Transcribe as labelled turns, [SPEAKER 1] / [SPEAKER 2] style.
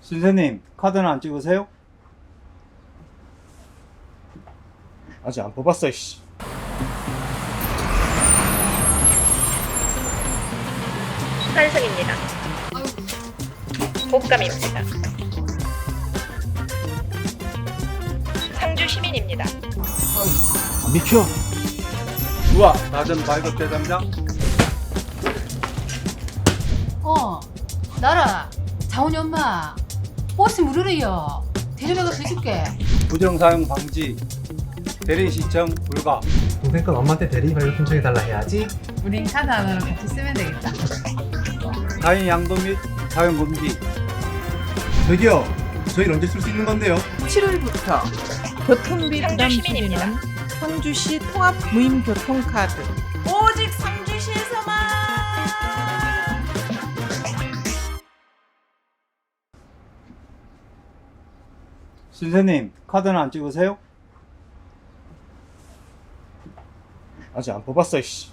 [SPEAKER 1] 선생님, 카드는 안 찍으세요?
[SPEAKER 2] 아직 안 뽑았어, 이씨.
[SPEAKER 3] 환승입니다. 복감입니다. 상주 시민입니다.
[SPEAKER 2] 안 비켜.
[SPEAKER 1] 우와, 낮은 발급 대장장.
[SPEAKER 4] 나라, 자훈이 엄마, 버스 무료래요. 데려가서 해줄게.
[SPEAKER 1] 부정사용 방지, 대리 신청 불가.
[SPEAKER 5] 동생 건 엄마한테 대리 발급 신청해달라 해야지.
[SPEAKER 4] 우린 카드 하나로 같이 쓰면 되겠다.
[SPEAKER 1] 타인 양도 및 사용 금지.
[SPEAKER 2] 저기요, 저희 언제 쓸 수 있는 건데요?
[SPEAKER 6] 7월부터 교통비
[SPEAKER 3] 상주
[SPEAKER 6] 부담
[SPEAKER 3] 시민입니다.
[SPEAKER 6] 줄이는 상주시 통합 무임교통카드 오직 상주시에서만.
[SPEAKER 1] 선생님, 카드는 안 찍으세요?
[SPEAKER 2] 아직 안 뽑았어, 이씨.